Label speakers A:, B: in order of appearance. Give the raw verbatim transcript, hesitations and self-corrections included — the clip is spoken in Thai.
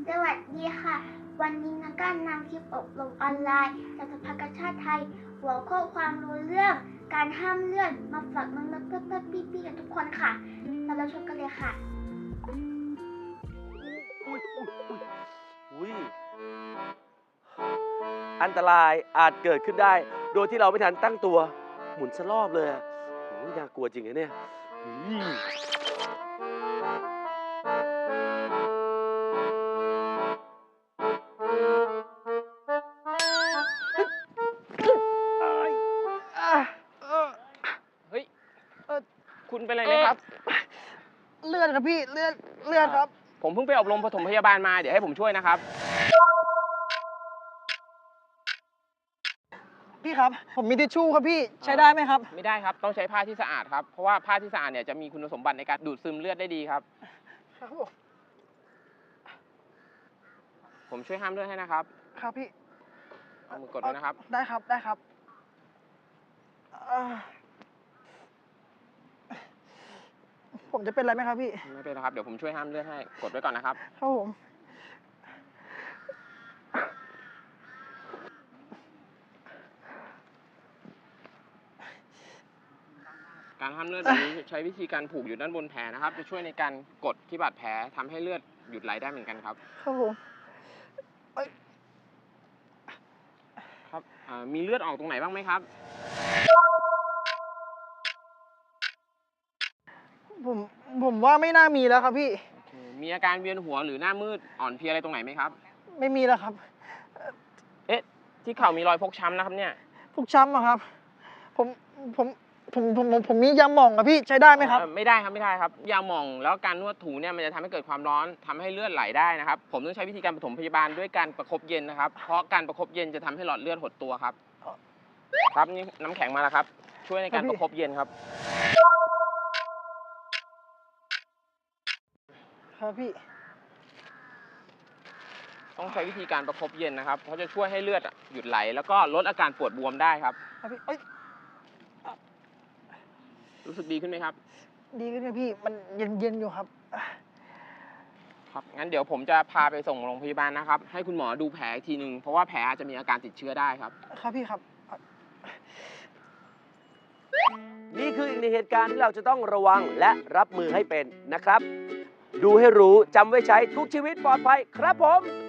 A: สวัสดีค่ะวันนี้นักการนำคลิปอบรมออนไลน์จากสภากาชาดไทยหัวข้อความรู้เรื่องการห้ามเลือดมาฝากน้องๆเพื่อนๆพี่ๆกันทุกคนค่ะเราเราชมกันเลยค่ะ
B: อุ้ยอันตรายอาจเกิดขึ้นได้โดยที่เราไม่ทันตั้งตัวหมุนสลอบเลยอ่ะโอ้ยน่ากลัวจริงนะเนี่ยอุ้ย
C: เฮ้ยเออคุณเป็นอะไรไหมครับ
D: เลือดครับพี่เลือดเลือดครับ
C: ผมเพิ่งไปอบรมปฐมพยาบาลมาเดี๋ยวให้ผมช่วยนะครับ
D: พี่ครับผมมีทิชชู่ครับพี่ใช้ได้ไหมครับ
C: ไม่ได้ครับต้องใช้ผ้าที่สะอาดครับเพราะว่าผ้าที่สะอาดเนี่ยจะมีคุณสมบัติในการดูดซึมเลือดได้ดีครับ
D: ครับผม
C: ผมช่วยห้ามเลือดให้นะครับ
D: ครับพี่
C: เอามือกดไว้นะครับ
D: ได้ครับได้ครับอ่าผมจะเป็นอะไรไหมครับพี่
C: ไม่เป็นไรครับเดี๋ยวผมช่วยห้ามเลือดให้กดไว้ก่อนนะครับ
D: ครับผม
C: การห้ามเลือดแบบนี้ใช้วิธีการผูกอยู่ด้านบนแผลนะครับ จะช่วยในการกดที่บาดแผลทำให้เลือดหยุดไหลได้เหมือนกันครับ
D: ครับผมเอ้ย
C: ครับอ่ามีเลือดออกตรงไหนบ้างไหมครับ
D: ผมผมว่าไม่น่ามีแล้วครับพี่
C: โอเคมีอาการเวียนหัวหรือหน้ามืดอ่อนเพลียอะไรตรงไหนไหมครับ
D: ไม่มีแล้วครับ
C: เอ๊ะที่เข่ามีรอยฟกช้ำนะครับเนี่ย
D: ฟกช้ำอะครับ ผมผมผมผมผมผมมียาหม่องอะพี่ใช้ได้ไหมครับ
C: เอ่อไม่ได้ครับไม่ได้ครับยาหม่องแล้วการนวดถูเนี่ยมันจะทำให้เกิดความร้อนทำให้เลือดไหลได้นะครับ ผมต้องใช้วิธีการปฐมพยาบาลด้วยการประคบเย็นนะครับ เพราะการประคบเย็นจะทำให้หลอดเลือดหดตัวครับ ครับนี่น้ำแข็งมาแล้วครับ ช่วยในการประคบเย็นครับ
D: ครับพี่
C: ต้องใช้วิธีการประคบเย็นนะครับเพราะจะช่วยให้เลือดอะหยุดไหลแล้วก็ลดอาการปวดบวมได้ครับ
D: ครับพี่เอ้ย
C: รู้สึกดีขึ้นไหมครับ
D: ดีขึ้นไหมพี่มันเย็นเย็นอยู่ครับ
C: ครับงั้นเดี๋ยวผมจะพาไปส่งโรงพยาบาลนะครับ ให้คุณหมอดูแผลอีกทีหนึ่งเพราะว่าแผลอาจจะมีอาการติดเชื้อได้ครับ
D: ครับพี่ครับ
B: นี่คืออีกหนึ่งเหตุการณ์ที่เราจะต้องระวังและรับมือให้เป็นนะครับ ดูให้รู้จำไว้ใช้ทุกชีวิตปลอดภัยครับผม